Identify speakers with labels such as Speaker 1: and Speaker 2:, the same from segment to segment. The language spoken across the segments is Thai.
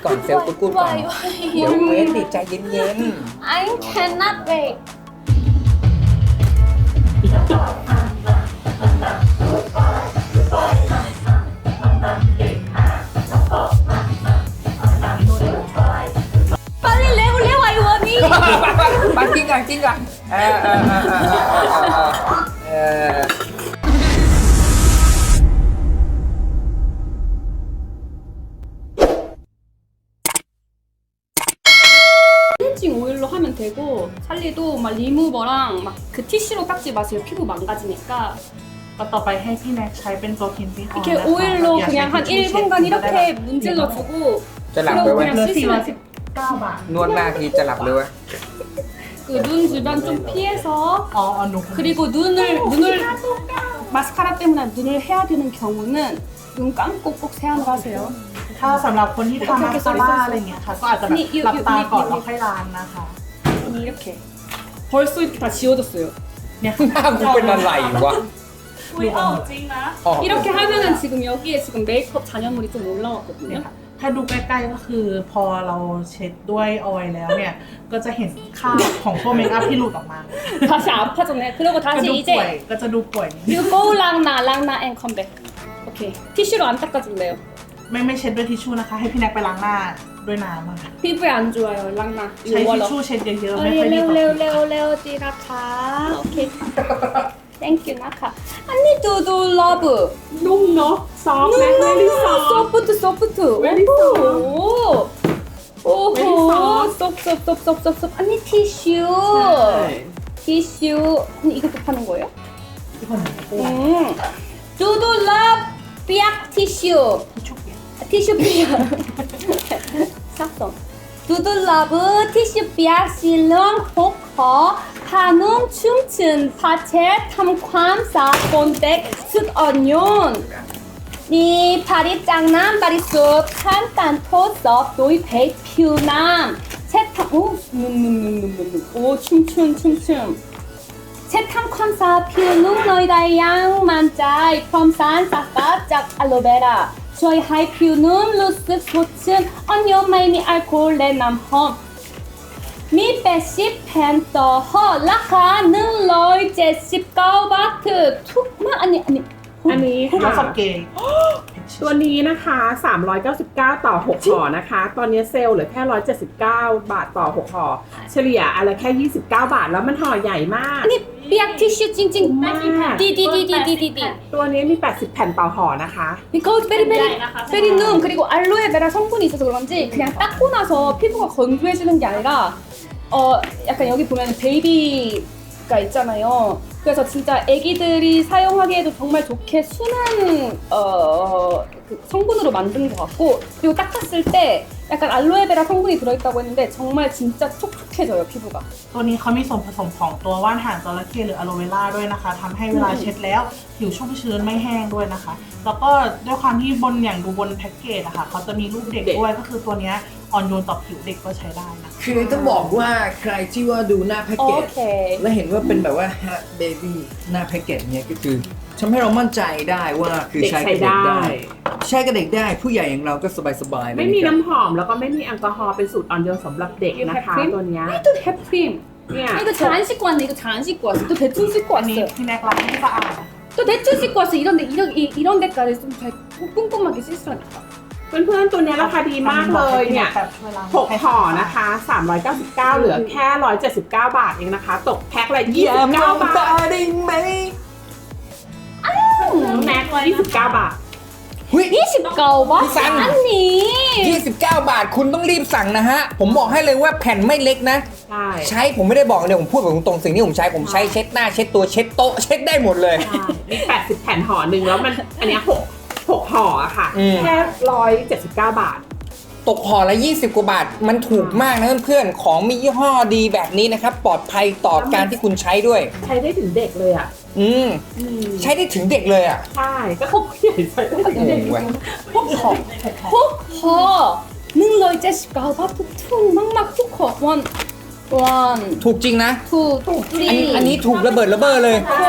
Speaker 1: ก่อนเซลล์กูดก่อนเดี๋ยวเวทดิใจเย็น
Speaker 2: I cannot wait 빨리 레고 아이원이
Speaker 1: ๆไปกินก่อน
Speaker 3: 클렌징 오일로 하면 되고 찰리도 막 리무버랑 막 그 티슈로 닦지 마세요. 피부 망가지니까
Speaker 4: ก็ต่อไปให้พี่แน็กใช้เป็นตัวคินซี่ออย
Speaker 3: 이렇게 오일로 그냥 한 1분간 이렇게 문질러주고
Speaker 1: จะหลับเลย
Speaker 3: 그리고
Speaker 1: เว้ย
Speaker 3: 그냥
Speaker 4: เหลือ
Speaker 3: 쓰시면
Speaker 4: 419 บาท
Speaker 1: นวดหน้าทีจะหลับเลยเว้ย
Speaker 3: 그 눈 주변 좀 피해서
Speaker 4: อ๋อหนู
Speaker 3: 그리고 눈을 마스카라 때문에 눈을 해야 되는 경우는 눈 감고 꼭 세안을 하세요.
Speaker 4: ถ้าสำหรับคนที่ทำมาสคาร่าอะไรเงี้ยค่ะก็อาจจะแบบหลับตาก่อนแล้วค่อยล้างนะคะ
Speaker 3: 이렇게 벌써 이렇게 다 지워졌어요.
Speaker 4: เนี่ย
Speaker 1: หน้ากูเป็นอะไรวะ
Speaker 3: 이렇게 하면은 지금 여기에 지금 메이크업 잔여물이 좀 올라왔거든요.
Speaker 4: ถ้าดูใกล้ๆก็คือพอเราเช็ดด้วยออยล์แล้วเนี่ยก็จะเห็นคราบของตัวเมคอัพที่หลุดออกมา
Speaker 3: 다시 아파졌네. 그리고
Speaker 4: ก็
Speaker 3: 다시
Speaker 4: ดูป่วย
Speaker 3: 이제
Speaker 4: ก็จะดูป่วยนิดนึง
Speaker 3: You go 랑나 앤 컴백. 오케이. 티슈로 안 닦아줄래요?
Speaker 4: ไม่เช็ดด้วยทิชชู่นะคะ ให้พี่แน็กไปล้างหน้าด้วยน้ำอะค่ะ
Speaker 3: 피부에 안 좋아요. 랑나.
Speaker 4: ใช้
Speaker 3: 이거
Speaker 4: ทิช
Speaker 3: 월러.
Speaker 4: ชู่เช็ดเยอะๆไม่ค่อยดีต่อผิว
Speaker 3: 레오 찌라카. 오케이. 땡큐 나카. 언니 두두 러브.
Speaker 5: นุ่มเนาะซอฟต์นะไม่ได้ซอฟต์
Speaker 3: 소프트.
Speaker 5: Very
Speaker 3: 오.
Speaker 5: Very
Speaker 3: 오호.
Speaker 5: soft.
Speaker 3: 쏙쏙쏙쏙쏙쏙. 언니 티슈. 티슈. 언니 이것도 파는 거예요?
Speaker 4: ทุกคนเห็นไหม
Speaker 3: 두두 러브 삐약 티슈.
Speaker 4: ทิชชู่เปียก
Speaker 3: 티슈 삐약. 샀어. 두두 러브 티슈 삐약 실롱 호커 한움 춤춘 파채 탐ความ사 본백 숯어니온 니 파리 짱남 바리숲 간단 토섭 노이 베이 퓨남 채탐 오 춤춤 채탐ความ사 퓨눈 너희다 양만짜이 펌산 싹갑짝 알로베라ช่วยให้ผิวนุ่มรู้สึกสดชื่นอ่อนโยนไม่มีแอลกอฮอล์และน้ำหอมมี80แผ่นต่อห่อราคา179 บาทถูกมากอันนี้
Speaker 5: อันนี้
Speaker 4: แล้ว
Speaker 5: ค่ะ
Speaker 4: สับเกย์
Speaker 5: ตัวนี้นะคะ 399 ต่อ 6 ห่อนะคะ ตอนนี้เซลล์เหลือแค่ 179 บาทต่อ 6 ห่อ เฉลี่ยอะไรแค่ 29 บาท แล้วมันห่อใหญ่มาก
Speaker 3: อันนี้เปียกทิชชู่จริงๆดี
Speaker 5: ตัวนี้มี 80 แผ่นต่อห่อนะคะ
Speaker 3: because very numb 그리고 알로에베라 성분이 있어서 그런지 그냥 닦고 나서 피부가 건조해지는 게 아니라 약간 여기 보면 베이비가 있잖아요. 그래서 진짜 애기들이 사용하기에도 정말 좋게 순한 그 성분으로 만든 것 같고 그리고 닦았을 때 약간 알로에베라 성분이 들어있다고 했는데 정말 진짜 촉촉해져요 피부가.
Speaker 4: ตัวนี้เขามีส่วนผสมของตัวว่านหางจระเข้หรืออะโลเวราด้วยนะคะทำให้เวลาเช็ดแล้วผิวชุ่มชื้นไม่แห้งด้วยนะคะ แล้วก็ด้วยความที่บนอย่างดูบนแพ็กเกจอะค่ะเขาจะมีรูปเด็กด้วยก็คือตัวเนี้ยอ่อนโยนต่อผิวเด็กก็ใช้ได้นะคะ
Speaker 1: คือต้องบอกว่าใครที่ว่าดูหน้าแพ็กเกจ
Speaker 3: 오케이.
Speaker 1: แล้วเห็นว่าเป็นแบบว่า Hat Baby หน้าแพ็กเกจเนี่ยก็คือทำให้เรามั่นใจได้ว่าคือใช้กับเด็กได้ ใช้กับเด็กได้ผู้ใหญ่อย่างเราก็สบายๆเลย
Speaker 5: ไม่มี
Speaker 1: นะครับ
Speaker 5: น้ำหอมแล้วก็ไม่มีแอลกอฮอล์เป็นสูตรอ่อนโยนสำหรับเด็กนะคะ
Speaker 3: You have cream?
Speaker 5: ตัวเนี้ย
Speaker 3: 또 햄프림.
Speaker 5: เนี่ย
Speaker 3: 이거 잘 안 씻고 왔네. 이거 잘 안 씻고 왔어. 또 대충 씻고
Speaker 4: อันนี้
Speaker 3: 왔어요.
Speaker 4: พี่แน็กล้างให้สะอาดนะคะ
Speaker 3: 또 대충 씻고 왔어. 이런 데까지 좀 잘 꼼꼼하게 씻으라니까.
Speaker 5: เพื่อนๆตัวเนี้ยราคาดีมากเลยเนี่ย
Speaker 4: แบบช่วยล้าง
Speaker 5: 6 ห่อนะคะ 399 เหลือแค่ 179 บาทเองนะคะ ตกแพ็คละ
Speaker 1: อย่ามอง
Speaker 5: 29 บา
Speaker 1: ตา
Speaker 5: ท
Speaker 1: ได้ไหม
Speaker 5: แม็ก29 บาท
Speaker 1: หุ้ย
Speaker 3: 29바?
Speaker 1: 비싼.
Speaker 3: 아니.
Speaker 1: 29 บาทคุณต้องรีบสั่งนะฮะ ผมบอกให้เลยว่าแผ่นไม่เล็กนะ
Speaker 5: ใช่
Speaker 1: ใช้ผมไม่ได้บอกเลยผมพูดแบบตรงๆสิ่งที่ผมใช้เช็ดหน้าเช็ดตัวเช็ดโต๊ะเช็ดได้หมดเลย
Speaker 5: มี 80 แผ่นห่อหนึ่งแล้วมันอันเนี้ย6ห่ออะค่ะ
Speaker 1: อืม
Speaker 5: แค่ 179 บาท
Speaker 1: ตกห่อละ20 กว่าบาท มันถูกมากนะเพื่อนๆของมียี่ห้อดีแบบนี้นะครับ ปลอดภัยต่อการที่คุณใช้ด้วย
Speaker 5: ใช้ได้ถึงเด็กเลยอ่ะ
Speaker 1: ใช้ได้ถึงเด็กเลยอ่ะ
Speaker 5: ใช่ ก็เขาใหญ่ใช้ได้ถึงเด็ก
Speaker 1: เว้ย
Speaker 3: 호커. 능러이제시가 바투 퉁 막막 투커. 원.
Speaker 1: ถูกจริงนะ
Speaker 3: 투.
Speaker 1: อันนี้ถูกระเบิดระเบ้อเลย
Speaker 3: 포.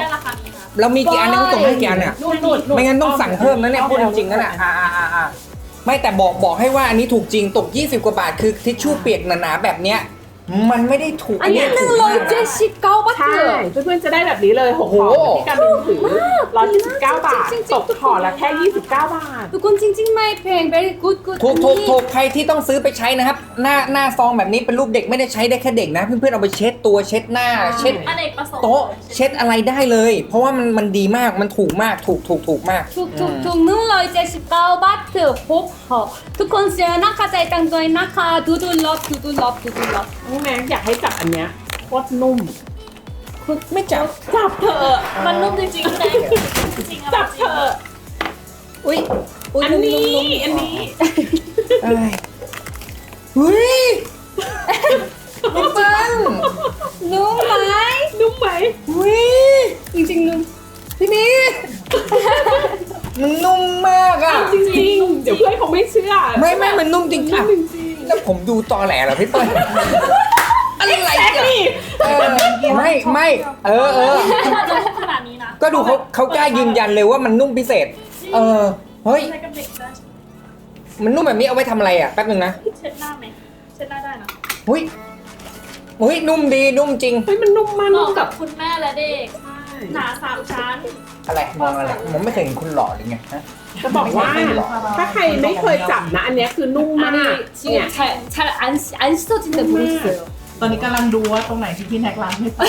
Speaker 1: เรามีกี่อันเนี่ยเขาส่งให้กี่อันเนี่ย
Speaker 3: นู่น
Speaker 1: ไม่งั้นต้องสั่งเพิ่มนะเนี่ยพูดจริงๆนะเนี่ยไม่แต่บอกให้ว่าอันนี้ถูกจริงตก 20 กว่าบาทคือทิชชู่เปียกหนาๆแบบเนี้ยมันไม่ได้ถูก
Speaker 3: อันนี้
Speaker 1: ถูกมากนะ
Speaker 3: 179
Speaker 5: ใช่
Speaker 3: บาท
Speaker 5: เพื่อนๆจะได้แบบนี้เลย6
Speaker 1: โอ้โห
Speaker 5: ห่อที่การบินถือ179 บาท
Speaker 3: จริงๆ
Speaker 5: ตกห่อละแค่ 29 บาท
Speaker 3: ทุกคนจริงๆไม่แพง very good
Speaker 1: ถูกใครที่ต้องซื้อไปใช้นะครับ หน้าซองแบบนี้เป็นรูปเด็กไม่ได้ใช้ได้แค่เด็กนะเพื่อนๆเอาไปเช็ดตัวเช็ดหน้าเช็ด
Speaker 2: อเนกประสงค์
Speaker 1: โต๊ะเช็ดอะไรได้เลย เพราะว่ามันดีมากมันถูกมากถูกมาก
Speaker 3: ถูก179 บาท6ห่อทุกคนเสียนะคะใจตังด้วยนะคะดูลอบ
Speaker 5: น้องแม็กอยากให้จับอันเนี้ยโคตรนุ่ม
Speaker 1: ไม่จับ
Speaker 5: จับเถอะ
Speaker 2: มันนุ่มจริงๆเลยจริงๆ
Speaker 5: จับเถอะ
Speaker 3: อุ้ย
Speaker 5: อันนี้
Speaker 1: เอ้ยเฮ้ยมันปัง
Speaker 3: นุ่มไหม
Speaker 5: นุ่มไหม
Speaker 1: เฮ้ย
Speaker 3: จริงๆนุ่ม
Speaker 1: พี่นี่มันนุ่มมากอ่ะ
Speaker 5: จริงๆ เดี๋ยวเพื่อนเขาไม่เชื่อ
Speaker 1: ไม่มันนุ่มจริงอ่ะ
Speaker 5: จริง
Speaker 1: แล้วผมดูตอแหลเหรอพี่เปิ้ลอะไรอ่ะไม่เออ
Speaker 2: มันจะขนาดนี้นะ
Speaker 1: ก็ดูเขากล้ายืนยันเลยว่ามันนุ่มพิเศษ เฮ้ย
Speaker 2: ใช้กับเด็กได้
Speaker 1: มันนุ่มแบบนี้เอาไว้ทำอะไรอ่ะแป๊บนึงนะ
Speaker 2: เช็ดหน้าไหมเช็ดหน้าได้นะ
Speaker 1: หุ้ยนุ่มดีนุ่มจริง
Speaker 5: เฮ้ยมันนุ่มมาก
Speaker 2: เห
Speaker 5: นุ่
Speaker 2: มาะ
Speaker 5: ม
Speaker 2: กั
Speaker 5: กั
Speaker 2: บบ คุณแม่และเด็กหนา3 ชั้น
Speaker 1: อะไรมองอะไรผมไม่เคยเห็นคุณหล่อเลยไงฮะ
Speaker 5: จะบอกว่า ถ้าใครไม่เคยจับนะ อันเนี้ยคือนุ่มมาก
Speaker 3: 아니
Speaker 5: เนี่ย
Speaker 3: 지금 잘안 씻어진다 모르겠어요.
Speaker 4: ตอนนี้กำลังดูว่าตรงไหนที่พี่แน็กล้างไม่ไป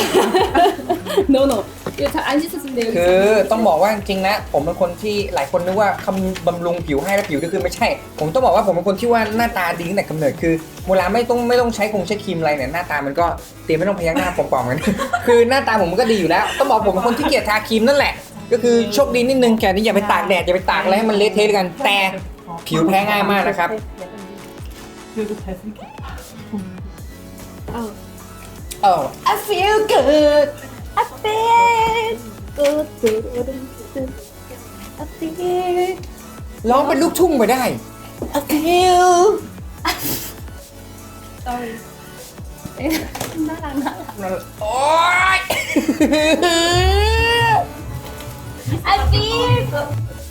Speaker 3: No no. 이거 잘 안 씻어진대요.
Speaker 1: คือต้องบอกว่าจริงๆนะผมเป็นคนที่หลายคนนึกว่าคำบำรุงผิวให้แล้วผิวก็คือไม่ใช่ ผมต้องบอกว่าผมเป็นคนที่ว่าหน้าตาดีตั้งแต่กำเนิดคือเวลาไม่ต้องใช้ใช้ครีมอะไรเนี่ยหน้าตามันก็เตรียมไม่ต้องพยักหน้าปลอมๆกัน คือหน้าตาผมมันก็ดีอยู่แล้วต้องบอกผมเป็นคนที่เกลียดทาครีมนั่นแหละ ก็คือโชคดีนิดนึงแค่นี้อย่าไปตากแดดอย่าไปตากอะไรให้มันเละเทะกัน แต่ผิวแพ้ง่ายมากนะครับ
Speaker 4: คือใช้ที่
Speaker 3: I feel good. I feel good. I feel.
Speaker 1: ร้องเป็นลูกทุ่งไปได้ I feel
Speaker 3: Sorry. 나랑.
Speaker 1: โอ๊ย
Speaker 3: I feel good.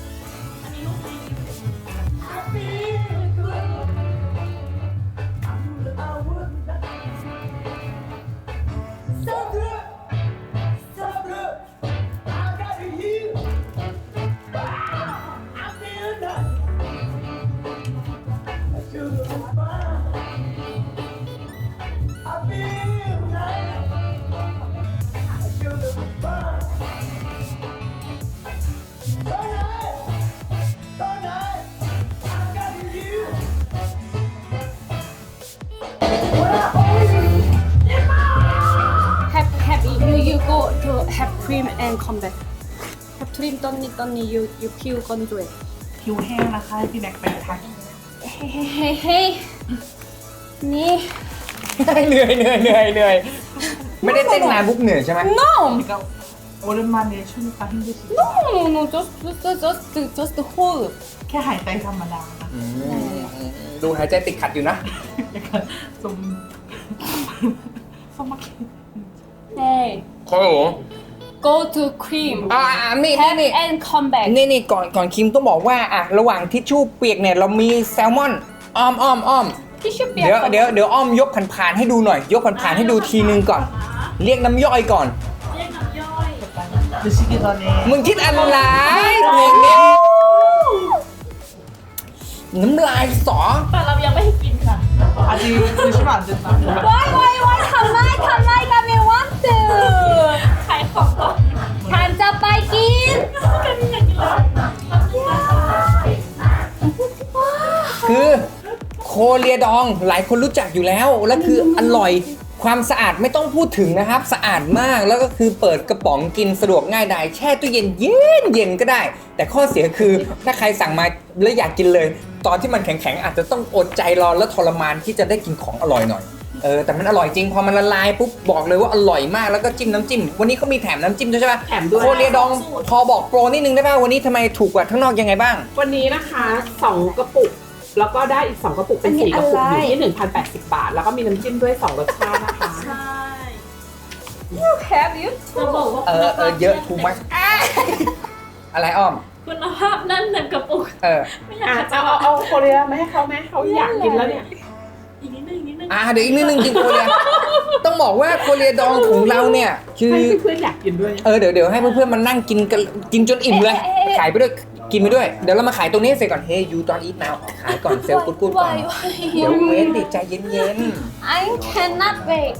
Speaker 3: Have you go to have cream and come back. Have cream 떴니 you peel 건조해.
Speaker 4: ผิวแห้งนะคะให้พี่แน็กไปทา
Speaker 3: Hey.นี่
Speaker 1: เหนื่อยไม่ได้เต้นนานปุ๊บเหนื่อยใช่ไหม
Speaker 3: No.
Speaker 4: ก็โอเลมาเนชั่นค่ะที่ดูสิ
Speaker 3: No. Just hold.
Speaker 4: แค่หายใจธรรมดานะ
Speaker 1: ดูหายใจติดขัดอยู่นะ
Speaker 4: สมสมมาคิด
Speaker 3: Hey.
Speaker 1: โอ้โห
Speaker 3: Go to cream.
Speaker 1: นี่
Speaker 3: Have and come back.
Speaker 1: นี่ก่อนคิมต้องบอกว่าระหว่างทิชชู่เปียกเนี่ยเรามีแซลมอนอ้อม
Speaker 3: 티슈
Speaker 1: เดี๋ยว
Speaker 3: 삐약.
Speaker 1: อ้อมยกผ่านๆให้ดูหน่อย ยกผ่านๆให้ดูทีนึงก่อน เรียกน้ำย่อยก่อน
Speaker 2: เรียกน้ำย่อย
Speaker 4: ดูสิกิตอนนี้
Speaker 1: มึงคิดอะไรเพลงนี้น้ำลายสอ
Speaker 2: แต่เรายังไม่ให้กินค่ะ
Speaker 4: อาจีดูชิบะจะตาม
Speaker 3: Why? 가만히 가면 want to.
Speaker 2: ขายของก่อน
Speaker 3: 간자 빠이긴.
Speaker 2: กันอยากกินเลย
Speaker 1: คือโคเรียดองหลายคนรู้จักอยู่แล้วแล้วคืออร่อยความสะอาดไม่ต้องพูดถึงนะครับสะอาดมากแล้วก็คือเปิดกระป๋องกินสะดวกง่ายดายแช่ตู้เย็นเย็นก็ได้ แต่ข้อเสียคือถ้าใครสั่งมาแล้วอยากกินเลย ตอนที่มันแข็งๆอาจจะต้องอดใจรอและทรมานที่จะได้กินของอร่อยหน่อยแต่มันอร่อยจริงพอมันละลายปุ๊บบอกเลยว่าอร่อยมากแล้วก็จิ้มน้ำจิ้มวันนี้เขามีแถมน้ำจิ้มด้วยใช่ปะ
Speaker 5: แถมด้วย
Speaker 1: โคเรียดองพอบอกโปรนิดนึงได้ป่ะวันนี้ทำไมถูกกว่าข้างนอกยังไงบ้าง
Speaker 5: วันนี้นะคะ 2 กระปุก แล้วก็ได้อีก 2 กระปุกเป็น 4 กระปุกอยู่ที่ 1,080 บาท แล้วก็มีน้ำจิ้มด้วย 2 รสชาตินะคะ
Speaker 2: ใช่
Speaker 3: Have you?
Speaker 2: จะบอกว่า
Speaker 1: เยอะทูมัชอะไรอ้อม
Speaker 2: คุณภาพนั่นเต็มกระปุก ไม่อยาก
Speaker 5: อ่ะ
Speaker 2: จะ
Speaker 5: เอาโคเรียมาให้เขาไหมเขาอยากกินแล้วเนี่ย
Speaker 2: อีกนิดนึงอีกนิดนึง
Speaker 1: เดี๋ยวอีกนิดนึงกินโคเรียต้องบอกว่าโคเรียดองของเราเนี่ยคือ
Speaker 5: ให้เพื่อนๆอยากกินด้วย
Speaker 1: เดี๋ยวให้เพื่อนๆมานั่งกินกันกินจนอิ่มเลย ขายไปด้วยกินไปด้วยเดี๋ยวเรามาขายตรงนี้เสร็จก่อน Hey you don't eat now ขายก่อนเซลล์กูดก่อนเดี๋ยวเวทดิใจเย็น
Speaker 3: I cannot wait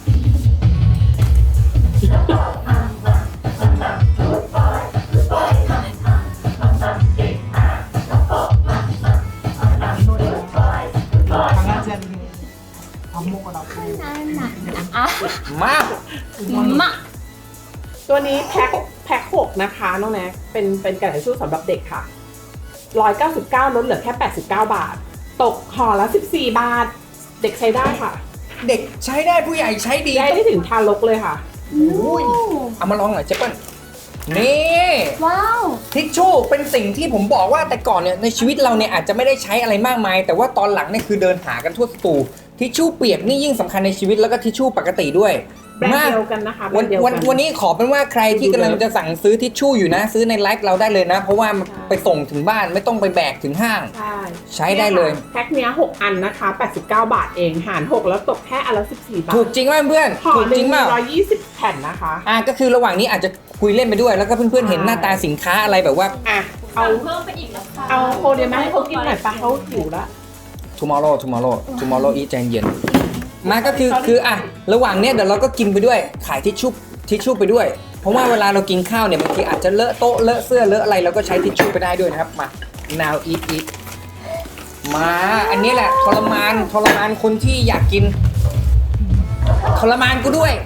Speaker 1: ๆมา
Speaker 3: มา
Speaker 5: ตัวนี้แพ็ค6นะคะน้องแน็กเป็นกระดาษทิชชู่สำหรับเด็กค่ะ199ลดเหลือแค่89 บาท ตกห่อละ14 บาท เด็กใช้ได้ค่ะ
Speaker 1: เด็กใช้ได้ผู้ใหญ่ใช้ดี
Speaker 5: ได้ถึงทารกเลยค่ะ
Speaker 1: เอามาลองหน่อยเจ๊เปิ้ลนี่
Speaker 3: ว้าว
Speaker 1: ทิชชู่เป็นสิ่งที่ผมบอกว่าแต่ก่อนเนี่ยในชีวิตเราเนี่ยอาจจะไม่ได้ใช้อะไรมากมาย แต่ว่าตอนหลังเนี่ยคือเดินหากันทั่วสตูทิชชู่เปียกนี่ยิ่งสำคัญในชีวิตแล้วก็ทิชชู่ปกติด้วย
Speaker 5: แบรนด์เดียวกันนะคะแบร
Speaker 1: วัน
Speaker 5: นด์เดียว
Speaker 1: วัน
Speaker 5: กัน
Speaker 1: วันนี้ขอเป็นว่าใครที่กำลังจะสั่งซื้อทิชชู่อยู่นะ ซื้อในไลฟ์เราได้เลยนะ เพราะว่ามันไปส่งถึงบ้านไม่ต้องไปแบกถึงห้าง
Speaker 5: ใช่
Speaker 1: ใช้ได้เลย
Speaker 5: แพ็คเนี้ย6อันนะคะ89 บาทเองหาร6แล้วตกแค่อันละ14 บาท
Speaker 1: ถูกจริงไหมเพื่อน
Speaker 5: ห่อ
Speaker 1: ถูก
Speaker 5: ห
Speaker 1: จริ
Speaker 5: นึ่
Speaker 1: ง
Speaker 5: ง
Speaker 1: เปล่า
Speaker 5: 120 แผ่นนะคะ
Speaker 1: ก็คือระหว่างนี้อาจจะคุยเล่นไปด้วย แล้วก็เพื่อนๆเห็นหน้าตาสินค้าอะไรแบบว่า
Speaker 5: อ่ะเอา
Speaker 2: เพิ่มไปอีกแล้วค่ะ
Speaker 5: เอาโคเรียมาให้เขากินหน่อยปะเขาหิวแล้ว
Speaker 1: tomorrow eat ใจเย็นมาก็คือระหว่างเนี้ยเดี๋ยวเราก็กินไปด้วยขายทิชชู่ไปด้วย เพราะว่าเวลาเรากินข้าวเนี่ยบางทีอาจจะเลอะโต๊ะเลอะเสื้อเลอะอะไรเราก็ใช้ทิชชู่ไปได้ด้วยนะครับมา now eat มาอันนี้แหละทรมานคนที่อยากกินทรมานกูด้วย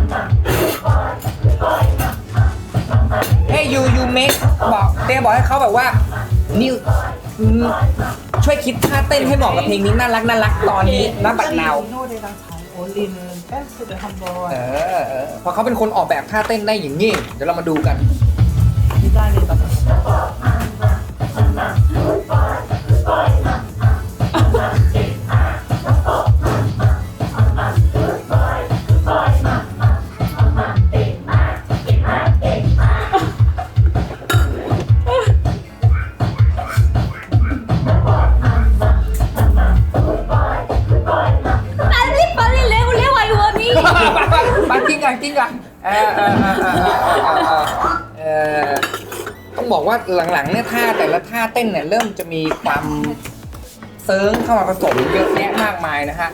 Speaker 1: Hey you make บอกเต้บอกให้เขาแบบว่านิวช่วยคิดท่าเต้นให้เหมาะกับเพลงนี้น่ารักตอนนี้ณบัดนาว พอเขาเป็นคนออกแบบท่าเต้นได้อย่างนี้เดี๋ยวเรามาดูกัน
Speaker 3: 빨리 레오 I want it
Speaker 1: มากินกันต้องบอกว่าหลังๆเนี่ยท่าแต่ละท่าเต้นเนี่ยเริ่มจะมีความเซิร์งเข้ามาผสมเยอะแยะมากมายนะฮะ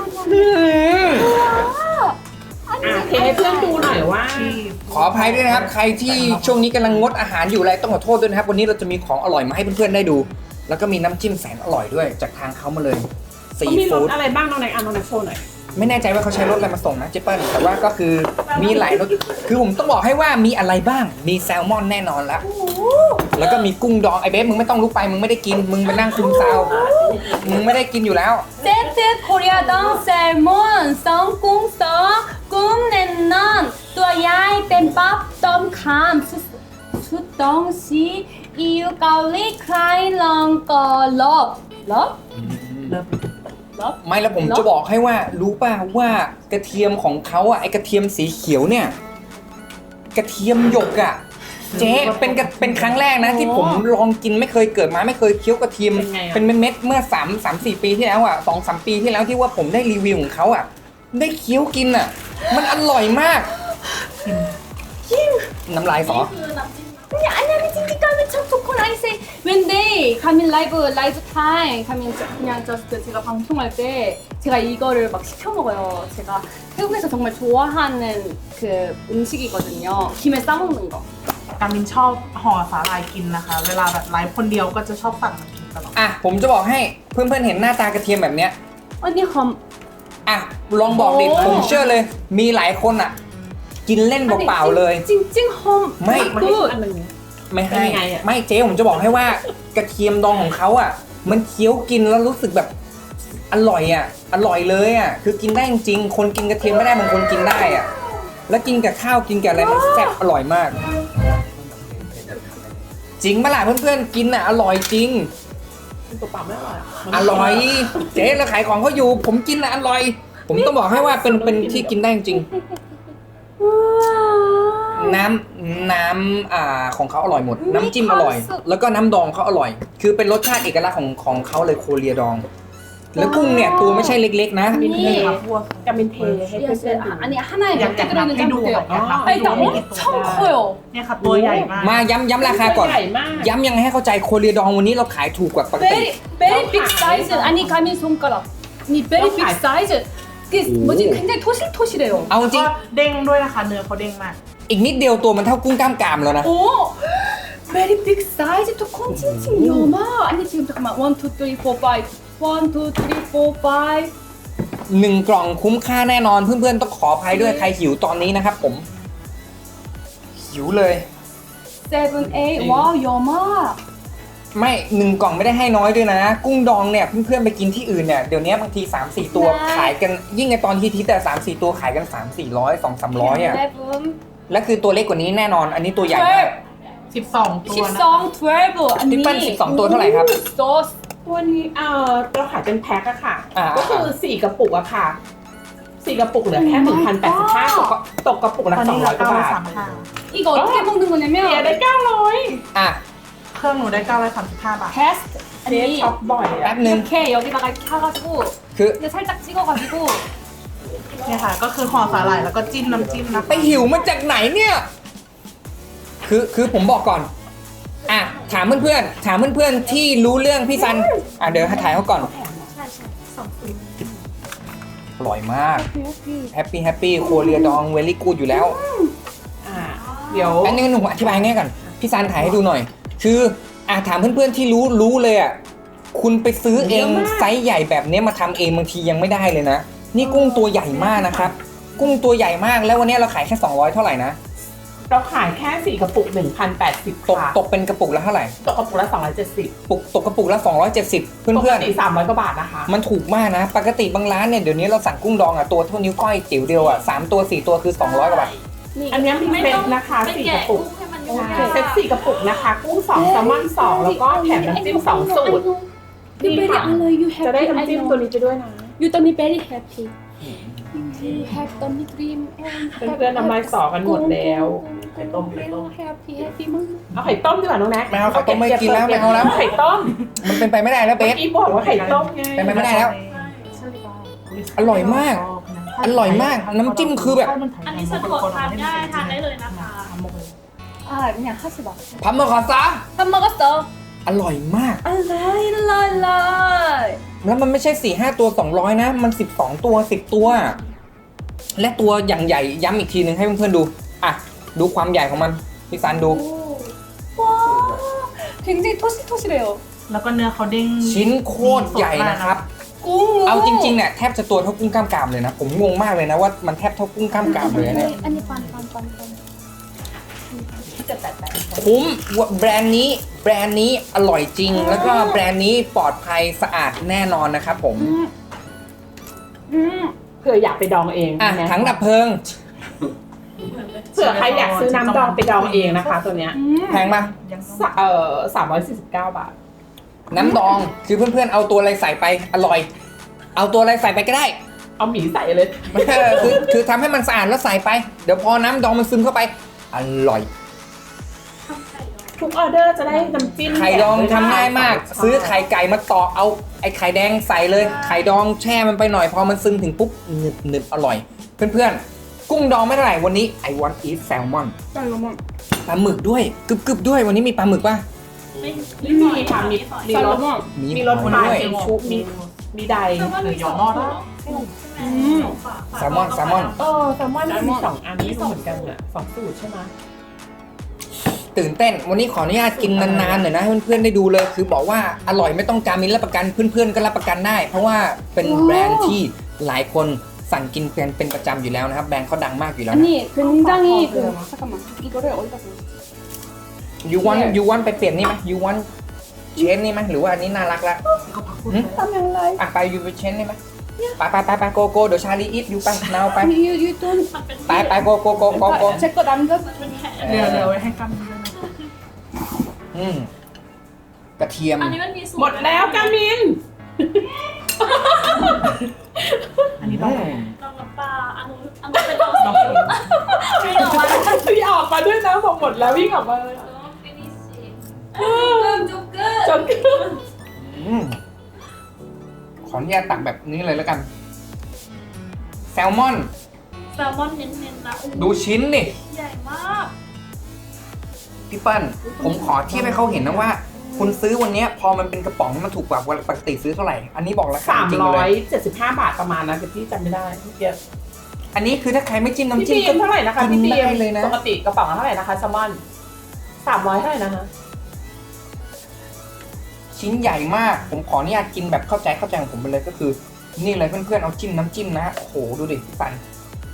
Speaker 5: เทให้เพื่อนดูหน่อยว่า
Speaker 1: ขออภัยด้วยนะครับ ใครที่ช่วงนี้กำลังงดอาหารอยู่อะไรต้องขอโทษด้วยนะครับ วันนี้เราจะมีของอร่อยมาให้เพื่อนๆได้ดู แล้วก็มีน้ำจิ้มแสนอร่อยด้วยจากทางเขามาเลยซี
Speaker 5: เขามีร
Speaker 1: ฟู้
Speaker 5: ส
Speaker 1: ด
Speaker 5: อะไรบ้างน้องแน็กน้องแน็กโชว์หน่อย
Speaker 1: ไม่แน่ใจว่าเขาใช้รสอะไรมาส่งนะเจเปิ้ลแต่ว่าก็คือมีหลายรสคือผมต้องบอกให้ว่ามีอะไรบ้างมีแซลมอนแน่นอนละแล้วก็มีกุ้งดองไอเบสมึงไม่ต้องลุกไปมึงไม่ได้กินมึงไปนั่งคุมซาวมึงไม่ได้กินอยู่แล้ว
Speaker 3: 세트 코리아동 셀몬 썬꿍썬 꿈nen넌 또야이 뱀밥 덤캄 수덩시 이유 가올리 크라이 런거 럽
Speaker 1: ไม่แล้วผมจะบอกให้ว่ารู้ป่ะว่ากระเทียมของเขาอ่ะไอกระเทียมสีเขียวเนี่ยกระเทียมหยกอ่ะเจ๊เป็นครั้งแรกนะที่ผมลองกินไม่เคยเกิดมาไม่เคยเคี้ยวกระเทียม
Speaker 5: เป็นไงอะ
Speaker 1: เป็นเม็ดๆเมื่อ3-4 ปีที่แล้วอ่ะ2-3 ปีที่แล้วที่ว่าผมได้รีวิวของเขาอ่ะได้เคี้ยวกินอ่ะมันอร่อยมากน้ำลายสอ
Speaker 2: คือน้ำจิ้ม
Speaker 3: 아니 찐득감이 참 좋고 나이스 when they come in live time come in 그냥 just 제가 방송할 때 제가 이거를 막 시켜 먹어요 제가 태국에서 정말 좋아하는 그 음식이거든요 김에 싸먹는 거
Speaker 4: กามินชอบห่อสาหร่ายกินนะคะ เวลาแบบไลฟ์คนเดียวก็จะชอบสั่งมากินตลอด
Speaker 1: อ่ะผมจะบอกให้เพื่อนๆเห็นหน้าตากระเทียมแบบเนี้ย
Speaker 3: 언니 험
Speaker 1: อ่ะลองบอกดิ
Speaker 3: โอ้
Speaker 1: ผมเชื่อเลย มีหลายคนอ่ะ กินเล่นเปล่าๆเลย
Speaker 3: 찡찡 험
Speaker 1: ไม่
Speaker 5: มาให้
Speaker 3: 굿
Speaker 5: อันหนึ่ง
Speaker 1: ไม่ให้
Speaker 5: เป็นยังไงอะ
Speaker 1: ไม่เจ๊ผมจะบอกให้ว่ากระเทียมดองของเขาอ่ะ มันเคี้ยวกินแล้วรู้สึกแบบอร่อยอ่ะอร่อยเลยอ่ะคือกินได้จริงๆคนกินกระเทียมไม่ได้บางคนกินได้อ่ะแล้วกินกับข้าวกินกับอะไรมันแซ่บอร่อยมาก จริงปะล่ะเพื่อนๆกินอ่ะอร่อยจริง
Speaker 5: ตัวเปล่าไม่อร่อย
Speaker 1: อร่อย เจ๊เราขายของเขาอยู่ ผมกินอ่ะอร่อย ผมต้องบอกให้ว่าเป็นที่กินได้จริง
Speaker 3: 우와
Speaker 1: น้น้ำของเขาอร่อยหมด น้ำจิ้มอร่อย แล้วก็น้ำดองเขาอร่อย คือเป็นรสชาติเอกลักษณ์ของเขาเลยโคเรียดอง แล้วกุ้งเนี่ยตัวไม่ใช่เล็กๆนะ
Speaker 4: นี่ครับพวก
Speaker 5: กามินเทให้เพื่อนๆดู
Speaker 3: 아니 하나에 몇 개 들어있는지 한번 볼게요.
Speaker 4: 아,
Speaker 3: 아니 나 엄청 커요.
Speaker 4: เนี่ยค่ะตัวใหญ่มาก
Speaker 1: มาย้ำราคาก่อน
Speaker 5: ใหญ่มาก
Speaker 1: ย้ำยังไงให้เข้าใจโคเรียดองวันนี้เราขายถูกกว่าปกติ
Speaker 3: Very big size. 아니 가민 손가락. 아니 very big size. 그 뭐지 굉장히 토실토실해요.
Speaker 1: เอาจ
Speaker 4: แล้ว
Speaker 1: ริ
Speaker 4: ก็
Speaker 1: ง
Speaker 4: เด้งด้วยนะคะเนื้อเขาเด้งมาก
Speaker 1: อีกนิดเดียวตัวมันเท่ากุ้งกล้ามกรามแล้วนะ
Speaker 3: 오, very big size. 또 콘칭칭 여마. 아니 지금 잠깐만 1, 2, 3, 4, 5. 1, 2, 3, 4, 5.
Speaker 1: 1 กล่องคุ้มค่าแน่นอนเพื่อนๆต้องขออภัยด้วยใครหิวตอนนี้นะครับผม หิวเลย
Speaker 3: 7, 8. 와 여마.
Speaker 1: ไม่ 1 กล่องไม่ได้ให้น้อยด้วยนะ กุ้งดองเนี่ยเพื่อนๆไปกินที่อื่นเนี่ยเดี๋ยวนี้บางที 3-4 ตัว
Speaker 3: ใช่
Speaker 1: ขายกันยิ่งในตอนที่แต่ 3-4 ตัวขายกัน 3-400 2-300อ่ะ
Speaker 3: 11.
Speaker 1: และคือตัวเล็กกว่านี้แน่นอน อันนี้ตัวใหญ่มาก
Speaker 4: 12 ตัวนะ
Speaker 3: 12, 12. 아니.
Speaker 1: พี่เปิ้ล12ตัวเท่าไหร่ครับ
Speaker 3: 소스.
Speaker 5: ตัวนี้เราขายเป็นแพ็คอะค่ะ
Speaker 1: อ่า
Speaker 5: ก็คือ4กระปุกอะค่ะ4กระปุกเหลือแค่ 1,085 ตกกระปุกละ
Speaker 4: ตอนนี้เรา
Speaker 5: 200กว่าบาท
Speaker 4: 935
Speaker 3: 이거 어떻게 먹는
Speaker 5: เสีย
Speaker 3: 거냐면
Speaker 5: ได้ 900
Speaker 1: อ่ะ
Speaker 4: เครื่องหนูได้935 บาท
Speaker 3: 베스트
Speaker 5: เจ๊ช็อป
Speaker 3: 아니
Speaker 5: บ่อย
Speaker 1: แป๊
Speaker 5: อะ
Speaker 1: บนึง
Speaker 3: 이렇게 여기다가 이렇게 해가지고
Speaker 1: คือ
Speaker 3: 이거 살짝 찍어가지고
Speaker 4: เนี่ยค่ะ ก็คือห่อสาหร่ายแล้วก็จิ้มน้ำจิ้มนะคะ
Speaker 1: ไปหิวมาจากไหนเนี่ย คือผมบอกก่อน อ่ะถามเพื่อนๆที่รู้เรื่องพี่ซัน อ่ะเดี๋ยวถ่ายเขาก่อน อร่อยมาก แฮปปี้โคเรียดองเวลี่กูดอยู่แล้ว
Speaker 5: อ่าเดี๋ยว
Speaker 1: อันนี้หนูอธิบายง่ายก่อน พี่ซันถ่ายให้ดูหน่อย คืออ่ะถามเพื่อนๆที่รู้เลยอ่ะ คุณไปซื้อเองไซส์ใหญ่แบบนี้มาทำเองบางทียังไม่ได้เลยนะ นี่กุ้งตัวใหญ่มากนะครับ กุ้งตัวใหญ่มากแล้ววันนี้เราขายแค่200เท่าไหร่นะ
Speaker 5: เราขายแค่4กระปุก 1,080
Speaker 1: ตก
Speaker 5: ค่ะ
Speaker 1: ตกเป็นกระปุกละเท่าไหร่
Speaker 5: ตกกระปุกละ270
Speaker 1: ตกกระปุกละ270 เพื่
Speaker 5: ปก
Speaker 1: อน
Speaker 5: ติ300กว่าบาทนะคะ
Speaker 1: ๆมันถูกมากนะ ปกติบางร้านเนี่ยเดี๋ยวนี้เราสั่งกุ้งดองอ่ะตัวเท่านิ้วก้อยจิ๋วเดียวอ่ะ3ตัว4ตัวคือ200กว่าบาท
Speaker 5: อันนี้มีเซตนะคะ
Speaker 2: ไม่
Speaker 5: 4ก
Speaker 2: แกะ
Speaker 5: ระปุก
Speaker 2: กุ้งให้มันยุ่ง
Speaker 5: ใช่เซต4กระปุกนะคะ กุ้ง2แซลมอน2แล้วก็แถมน้ำจิ้ม2สูตร
Speaker 3: You very alloy, you
Speaker 5: จะได้
Speaker 3: happy,
Speaker 5: น้ำ
Speaker 3: I
Speaker 5: จิ้ม
Speaker 3: know.
Speaker 5: ตัวนี้ไปด้วยนะ
Speaker 3: You don't be very happy. You have tummy cream and
Speaker 5: เพื่อนๆน้ำลายสอกันหมดแล้วไข่ต้ม
Speaker 3: happy, happy มาก
Speaker 5: เอาไข่ต้มดีกว่าน้องแน็ก
Speaker 1: ไม่เอาไข่ต้มไม่กินแล้วไม่เอาแล้ว
Speaker 5: ไข่ต้ม
Speaker 1: มันเป็นไปไม่ได้แล้วเบ
Speaker 5: เมื่อ
Speaker 1: ส
Speaker 5: กี้บอกว่าไข่ต้มไง
Speaker 1: เป็นไปไม่ได้แล้ว อร่อยมาก อร่อยมากน้ำจิ้มคือแบบ
Speaker 2: อันนี้สะดวกทานได้ทานได้เลยนะคะ
Speaker 3: 아, 그냥 하지 마.
Speaker 1: พับมาขอซะ
Speaker 3: 밥 먹었어.
Speaker 1: อร่อยมาก
Speaker 3: 알라이, 알라이.
Speaker 1: แล้วมันไม่ใช่ 4-5 ตัว 200 นะ มัน 12 ตัว 10 ตัว และตัวอย่างใหญ่ย้ำอีกทีนึงให้เพื่อนๆดู อ่ะ ดูความใหญ่ของมัน พี่ซันดู
Speaker 3: 와, 굉장히 토실토실해요.
Speaker 4: แล้วก็เนื้อเขาเด้ง
Speaker 1: ชิ้นโคตรใหญ่นะครับ
Speaker 3: 꽁.
Speaker 1: เอาจริงๆเนี่ยแทบจะตัวเท่ากุ้งกล้ามกรามเลยนะ ผมงงมากเลยนะว่ามันแทบเท่ากุ้งกล้ามกรามเลยนะเนี่ย
Speaker 3: 아니, 반.
Speaker 1: คุ้มแบรนด์นี้อร่อยจริง แล้วก็แบรนด์นี้ปลอดภัยสะอาดแน่นอนนะครับผม
Speaker 5: เผื่ออยากไปดองเอง
Speaker 1: อ่ะ
Speaker 5: นะ
Speaker 1: ถังดับเพลิง
Speaker 5: เผื่อใครอยากซื้อน้ำดองไปดองเองนะคะ ตัวเนี้ย
Speaker 1: แพงปะ
Speaker 5: 349 บาท
Speaker 1: น้ำดองคือเพื่อนๆเอาตัวอะไรใส่ไปอร่อย เอาตัวอะไรใส่ไปก็ได้
Speaker 5: เอาหมีใส่เลย
Speaker 1: คือทำให้มันสะอาดแล้วใส่ไป เดี๋ยวพอน้ำดองมันซึมเข้าไป อร่อย
Speaker 5: ทุกออเดอร์จะได้น้ำจิ้ม
Speaker 1: ไข่ดองทำง่ายมาก ซื้อไข่ไก่มาตอกเอาไอ้ไข่แดงใส่เลย ไข่ดองแช่มันไปหน่อยพอมันซึมถึงปุ๊บหนึบอร่อย เพื่อนๆ กุ้งดองไม่เท่าไหร่วันนี้ I want eat salmon ปลาหมึกด้วยกึบด้วยวันนี้มีปลาหมึกป่ะ
Speaker 5: ไม่มีค่ะมีรส มีรส
Speaker 1: หอย
Speaker 5: ปลา
Speaker 1: ด้วย
Speaker 5: เค็มชุบมีใด
Speaker 4: หรือยอมอด
Speaker 1: แซลมอน
Speaker 5: แซลมอนมี2 อันนี้เหมือนกันอ่ะ2สูตรใช่ไหม
Speaker 1: ตื่นเต้นวันนี้ขออนุญาตกินนานๆหน่อยนะให้เพื่อนๆได้ดูเลย คือบอกว่าอร่อยไม่ต้องการมินรับประกันเพื่อนๆก็รับประกันได้ เพราะว่าเป็นแบรนด์ที่หลายคนสั่งกินเป็นประจำอยู่แล้วนะครับแบรนด์เขาดังมากอยู่แล้วนะ
Speaker 3: 아니, 굉장히 잠깐만. 이거를 어디다 써?
Speaker 1: you want ไปเปลี่ยนนี่ไหม you want เชนนี่ไหมหรือว่าอันนี้น่ารักละ อ่ะไปยูไปเชนได้ไหมไปโกเดี๋ยวชาลีอีฟยูไปนาวไป
Speaker 3: You don't.
Speaker 2: มันเป็น
Speaker 1: ไปโก
Speaker 3: 제거 남겨.
Speaker 2: เป็นแผล
Speaker 4: เดี๋ยวไว้ให้กำด้วยนะ
Speaker 1: กระเทียม
Speaker 2: อันนี้มันมีสูตร
Speaker 5: หมดแล้วกามิน
Speaker 4: อันนี้ต้อง
Speaker 2: ลองน้ำปลาอันนู้นเป็นตัวสีวิ่งออกมา
Speaker 5: พี่ออกมาด้วยนะพอหมดแล้ววิ่งออกมาเลย จน
Speaker 1: อืมขออนุญาตตักแบบนี้เลยแล้วกัน แซลมอน
Speaker 2: แซลมอนเน้นๆนะ
Speaker 1: ดูชิ้นนี่
Speaker 2: ใหญ่มาก
Speaker 1: พี่เปิ้ลผมขอเทียบให้เขาเห็นนะว่า คุณซื้อวันเนี้ยพอมันเป็นกระป๋องมันถูกกว่าปกติซื้อเท่าไหร่ อันนี้บอกราคาจริงเลย
Speaker 5: 375 บาทประมาณนะแต่พี่จำไม่ได้พี่เกียร์
Speaker 1: อันนี้คือถ้าใครไม่จิ้มน้ำ
Speaker 5: พี่
Speaker 1: จิ้ม
Speaker 5: บีมเท่าไหร่นะคะพี่บี
Speaker 1: ได้
Speaker 5: ม
Speaker 1: เลยนะ
Speaker 5: ปกติกระป๋องละเท่าไหร่นะคะแซลมอน300เท่าไหร่นะคะ
Speaker 1: ชิ้นใหญ่มาก ผมขออนุญาตกินแบบเข้าใจของผมไปเลยก็คือ นี่เลยเพื่อนๆเอาจิ้มน้ำจิ้มนะโอ้โหดูดิพี่ปัน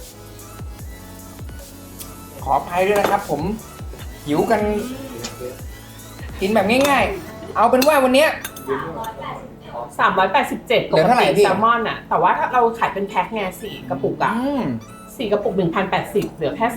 Speaker 1: ขออภัยด้วยนะครับ ผมหิวกันกินแบบง่ายๆ เอาเป็นว่าวันเนี้ย
Speaker 5: 387
Speaker 1: เห
Speaker 5: ป
Speaker 1: ลื
Speaker 5: ก
Speaker 1: อเท่าไหร่
Speaker 5: ติ
Speaker 1: พี่
Speaker 5: แซลมอนอะแต่ว่าถ้าเราขายเป็นแพ็คไง4 กระปุกอะ
Speaker 1: อืม
Speaker 5: 4 กระปุก 1,080 เหลือแค่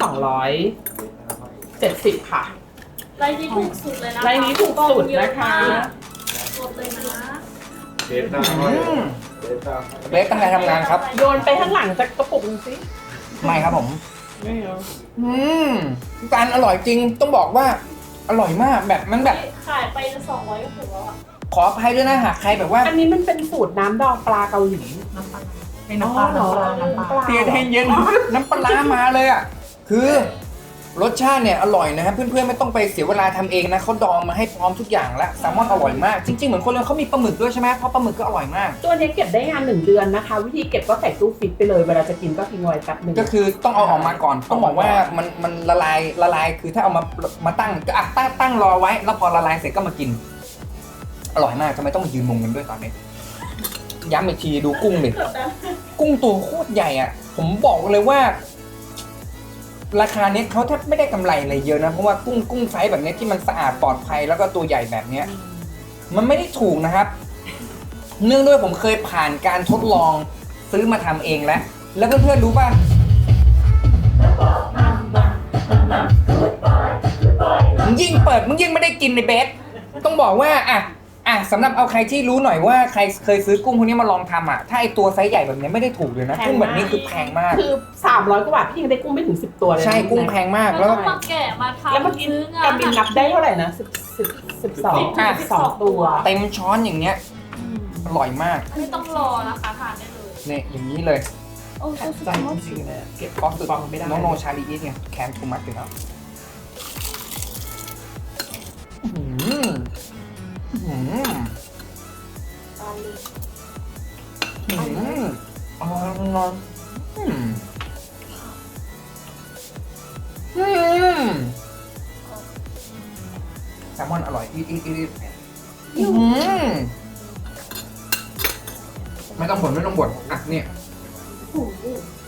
Speaker 5: 270 ค่ะ
Speaker 2: ไรนี้ถูกสุดเลยนะคะ
Speaker 5: ไรนี้ถูกสุดนะคะ
Speaker 2: กดเลยนะ
Speaker 6: เดต้า
Speaker 1: อืม
Speaker 6: เดต้า
Speaker 1: เล็กตั้งใจทำงานครับ
Speaker 5: โยนไปข้างหลังจากกระปุกหนึงสิ
Speaker 1: ไม่ครับผม
Speaker 5: ไม่เอา
Speaker 1: อืมพี่ปันอร่อยจริงต้องบอกว่า อร่อยมากแบบมันแบบ
Speaker 2: ขายไป200ก็ถูกแล้วอ่ะ
Speaker 1: ขออภัยด้วยนะหากใครแบบว่า
Speaker 5: อันนี้มันเป็นสูตรน้ำดองปลาเกาหลี
Speaker 4: น้ำปลาให้น้ำปลา
Speaker 5: อ๋อ
Speaker 4: น้ำปลาน้ำปลา
Speaker 1: เตียให้เย็นน้ำปลาร้ามาเลยอ่ะคือรสชาติเนี่ยอร่อยนะครับเพื่อนๆไม่ต้องไปเสียเวลาทำเองนะเขาดองมาให้พร้อมทุกอย่างแล้วแซลมอนอร่อยมากจริงๆเหมือนคนเลยเขามีปลาหมึกด้วยใช่ไหมเพราะปลาหมึกก็อร่อยมาก
Speaker 5: ตัวนี้เก็บได้งาน1 เดือนนะคะ วิธีเก็บก็ใส่ตู้ฟิตไปเลย เวลาจะกินก็ทิ้งไว้แป๊บหนึง
Speaker 1: ก็คือต้องเอาออกมาก่อนต้องบอกว่ามันละลายคือถ้าเอามาตั้งก็อ่ะตั้งรอไว้ แล้วพอละลายเสร็จก็มากิน อร่อยมากทำไมต้องมายืนมุงกันด้วยตอนนี้ย้ำอีกทีดูกุ้งดิกุ้งตัวโคตรใหญ่อ่ะผมบอกเลยว่า ราคาเนี้ยเขาแทบไม่ได้กำไรอะไรเยอะนะเพราะว่ากุ้งไซส์แบบเนี้ยที่มันสะอาดปลอดภัยแล้วก็ตัวใหญ่แบบเนี้ย มันไม่ได้ถูกนะครับ เนื่องด้วยผมเคยผ่านการทดลองซื้อมาทำเองแล้วเพื่อนๆรู้ป่ะมึงยิ่งเปิดมึงยิ่งไม่ได้กินในเบสต้องบอกว่าอ่ะสำหรับเอาใครที่รู้หน่อยว่าใครเคยซื้อกุ้งพวกนี้มาลองทำอ่ะถ้าไอตัวไซส์ใหญ่แบบนี้ไม่ได้ถูกเลยนะกุ้งแบบนี้คือแพงมาก
Speaker 5: คือ300 กว่าบาทพี่ยังได้กุ้งไม่ถึง10 ตัวเลยนะ
Speaker 1: ใช่กุ้งแพงมาก
Speaker 2: แล้
Speaker 1: แล้ว ว
Speaker 2: ก็มาแกะมาทำ
Speaker 5: แล้วเมื่อกี้
Speaker 2: ซื้องาน
Speaker 5: กำบินนับได้เท่าไหร่นะ12 ตัว
Speaker 1: เต็มช้อนอย่างเงี้ยอร่อยมาก
Speaker 2: ไม่ต้องรอนะคะทานได้เลย
Speaker 1: เนี่ยอย่างนี้เลย
Speaker 2: โอ้โหสุด
Speaker 5: ใจ
Speaker 2: ยอด
Speaker 5: จริงๆเลยเก็บ
Speaker 1: ก็คือ
Speaker 5: ฟังไม่ได้
Speaker 1: โนชาลีอีทเนี่ยแคนทูมัสอยู่แล้วอื้อหืออร่อยนอนแซลมอนอร่อยอีทไม่ต้องบ่นอ่ะเนี่ย
Speaker 2: โอ้โห